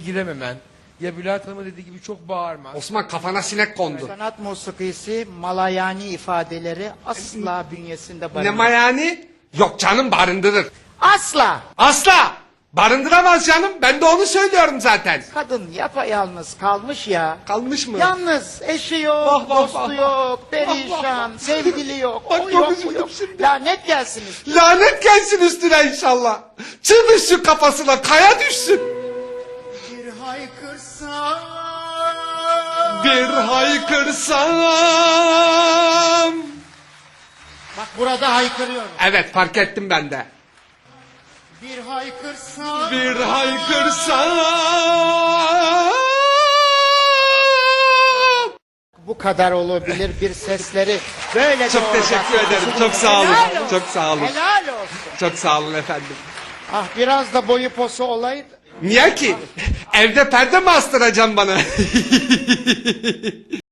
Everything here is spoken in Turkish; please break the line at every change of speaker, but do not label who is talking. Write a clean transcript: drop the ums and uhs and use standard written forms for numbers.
girememen, ya Bülent Hanım'ın dediği gibi çok bağırman.
Osman kafana sinek kondu.
Sanat musikisi malayani ifadeleri asla bünyesinde
Ne
barındırmaz.
mayani? Yok canım barındırır.
Asla!
Asla! Barındıramaz canım. Ben de onu söylüyorum zaten.
Kadın yapayalnız kalmış ya.
Kalmış mı?
Yalnız eşi yok,
Vah, vah,
dostu
vah,
yok, perişan, sevgili yok,
Bak,
o
çok
yok, bu
üzüldüm
yok.
şimdi.
Lanet gelsin üstüne.
Lanet gelsin üstüne inşallah. Çığ düşsün kafasına, kaya düşsün.
Bir haykırsam,
Bir haykırsam.
bak burada haykırıyorum.
Evet fark ettim ben de.
Bir haykırsam,
Bir haykırsam.
bu kadar olabilir bir sesleri böyle
Çok teşekkür ederim. Çok sağ olun.
Helal olsun.
Çok sağ olun.
Helal olsun.
Çok sağ olun efendim.
Ah biraz da boyu posu olaydı.
Niye ki? Evde perde mi astıracaksın bana?